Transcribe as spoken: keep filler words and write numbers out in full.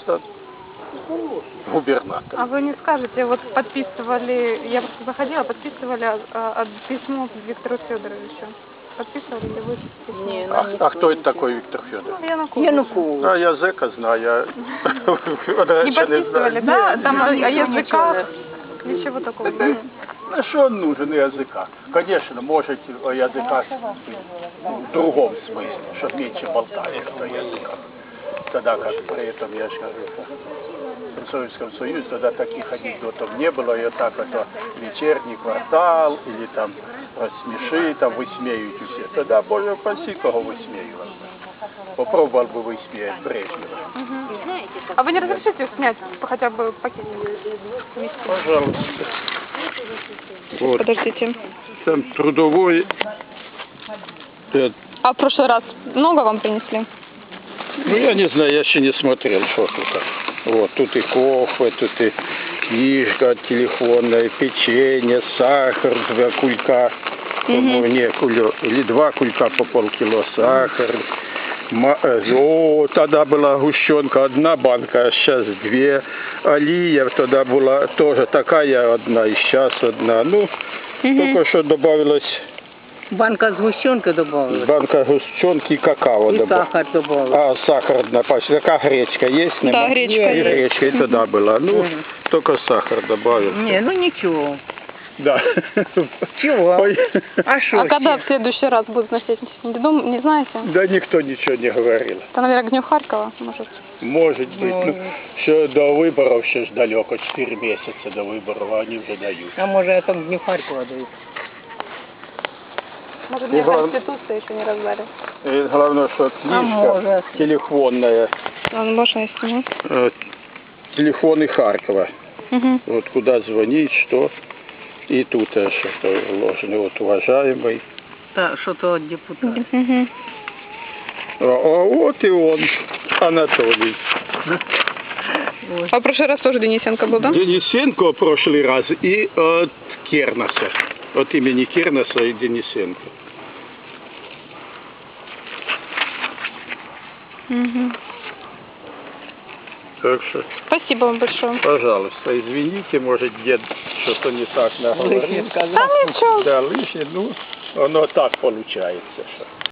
это губернатор. А вы не скажете, вот подписывали, я просто заходила, подписывали а, а, письмо Виктору Федоровичу. Подписывали ли вы письмо? Не, А, а кто это такой Виктор Федорович? Ну, Янукович. Янукович. А я зэка знаю, я Не подписывали, да? Там о о языках, ничего такого. На что он нужен языка? Конечно, может о языках в другом смысле, чтобы меньше болтали о языках. Тогда как при этом, я же говорю, в Советском Союзе тогда таких анекдотов не было, и так это вечерний квартал, или там рассмеши, там высмеют все. Тогда, боже, паси, кого высмеивал. Попробовал бы высмеять Брежнева. Угу. А вы не разрешите снять хотя бы пакет? Пожалуйста. Вот. Подождите. Там трудовой. А в прошлый раз много вам принесли? Ну, я не знаю, я еще не смотрел, что тут. Вот, тут и кофе, тут и книжка телефонная, печенье, сахар, два кулька, по-моему, не, кулё, или два кулька по полкило сахар. О, тогда была гущенка, одна банка, а сейчас две. Алия тогда была тоже такая одна, и сейчас одна. Ну, угу. Только что добавилось... Банка сгущенки добавилась. Банка сгущенки и какао и добавилось. сахар добавилась. А, сахар одна пачка. Какая гречка есть? Да, нема? гречка и есть. гречка и тогда была. Ну, Угу. только сахар добавил. Не, ну ничего. Да. Чего? Ой. А что? А когда в следующий раз будут носить? Не, дум... не знаете? Да никто ничего не говорил. Это, наверное, Гнев Харькова, может? Может быть. Может. Ну, еще до выборов еще ж далеко, четыре месяца до выборов, а они уже дают. А может это не Харькова дают? Может, И мне глав- Конституция еще не раздали. И главное, что книжка может. телефонная, Он можно если э, телефоны Харькова. угу. Вот куда звонить, что. И тут э, что-то вложено. Вот, уважаемый. Да, что-то от депутата. Угу. А, а вот и он, Анатолий. А в прошлый раз тоже Денисенко был, да? Денисенко в прошлый раз и от Кернеса. От имени Кернеса и Денисенко. Угу. Так что, Спасибо вам большое. пожалуйста, извините, может, дед что-то не так наговорил. Лишнее сказал. Да ничего. Да, лишнее, ну, оно так получается, что.